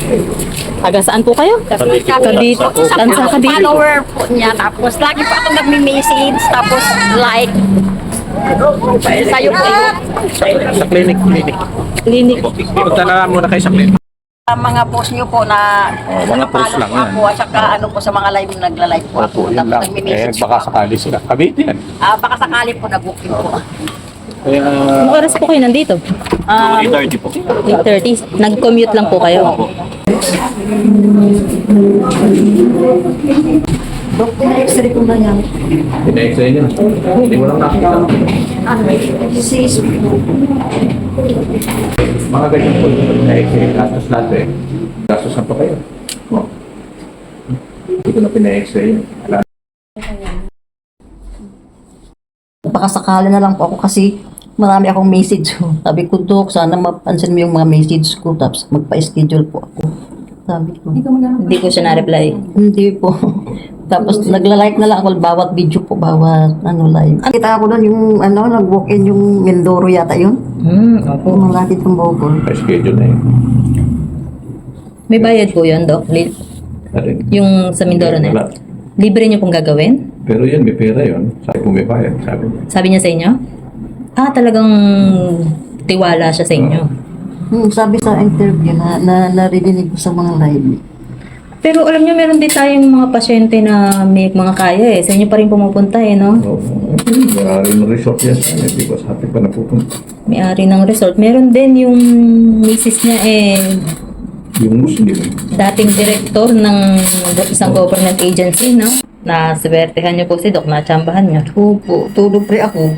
Taga saan po kayo? Cavite. Cavite. Tansa Cavite. Follower po niya. Tapos lagi po ako nagme-message. Tapos like. Sa'yo po yun. Sa clinic. Clinic. Punta na muna kayo sa clinic. Mga post niyo po na mga post lang po ako. At saka ano po sa mga live na nagla-live po ako. Opo, yan lang. Tapos nagme-message Baka po. sakali sila. Cavite yan. Baka sakali po nag-booking po. Kaya, Anong oras po kayo nandito? 8:30 po. 8:30. Nag-commute lang po kayo. Dok, na-x-ray ko na yan. Pina-x-ray niya. Hindi mo lang nakita. Disease. Mga ganyan po. Pina-x-ray. Gastos natin. Gastos na pa kayo. Oh. Hindi ko na pina-x-ray yun. Baka sakali na lang po ako kasi marami akong message. Sabi ko, Dok, sana mapansin mo yung mga message ko. Tapos magpa-schedule po ako. Sabi ko. Hindi ko siya na-reply. Hindi po. Tapos nagla-like na lang ako bawat video po, bawat live. Kita ko doon yung nag-walk-in yung Mindoro yata yun. Opo. Yung malapit ng Bogor. Pa-schedule na yun. May bayad po yun, Dok? Yung sa Mindoro na yun. Wala. Libre niyo pong gagawin? Pero yan, may pera yun. Sabi ko may bayad. Sabi niya. Sabi niya sa inyo? Talagang tiwala siya sa inyo. Sabi sa interview na narinig ko sa mga live. Pero alam niyo, meron din tayong mga pasyente na may mga kaya eh. Sa inyo pa rin pumupunta eh, no? Oo. Marami ng resort yan sa amin. Di ba sa atin pa napupunta. May-ari ng resort. Meron din yung misis niya eh, Yung Muslim. dating director ng isang government agency, no? Naswertehan niyo po si Doc, natsambahan niyo. Opo, tulog pre ako.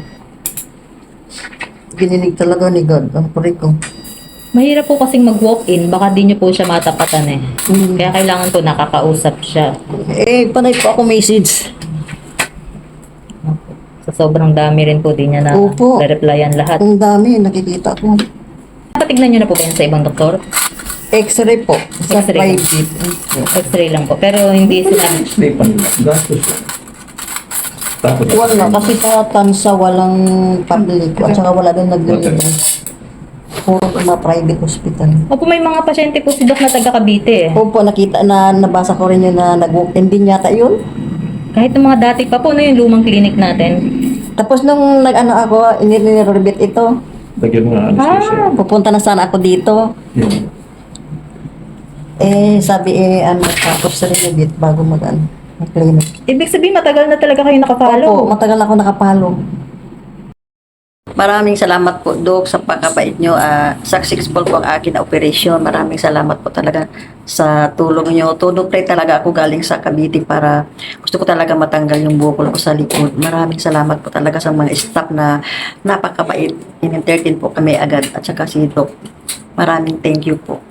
Gininig talaga ni God ang pre ko. Mahirap po kasing mag-walk-in, baka di niyo po siya matapatan eh. Mm. Kaya kailangan po nakakausap siya. Panay po ako message. Sa sobrang dami rin po, di niya na Opo. replyan lahat. Ang dami, nakikita ko. Patignan niyo na po ba yan sa ibang doktor? X-ray po. Sa X-ray. private. X-ray lang po. Pero hindi sila... Stay pa nila. Gastos yan. Tapos, Wala, kasi sa Tansa walang public at saka wala din nag-deliver. Puro mga private hospital. Opo, may mga pasyente po si Doc na taga Cavite eh. Opo, nakita nabasa ko rin yun na nag-walk-in din yata yun. Kahit yung mga dati pa po, no, yung lumang clinic natin. Tapos nung ako, inirerbit ito, lagyan mo nga anesthesia. pupunta na sana ako dito. Yun. Sabi tapos renovate bago mag-clinic. Ibig sabihin, matagal na talaga kayo nakapalo. Opo, matagal ako nakapalo. Maraming salamat po, Doc, sa pagkabait nyo. Successful po ang akin na operation. Maraming salamat po talaga sa tulong nyo. Todo pre talaga ako galing sa Cavite para gusto ko talaga matanggal yung bukol ko sa likod. Maraming salamat po talaga sa mga staff na napakabait. In-entertain po kami agad at saka si Doc. Maraming thank you po.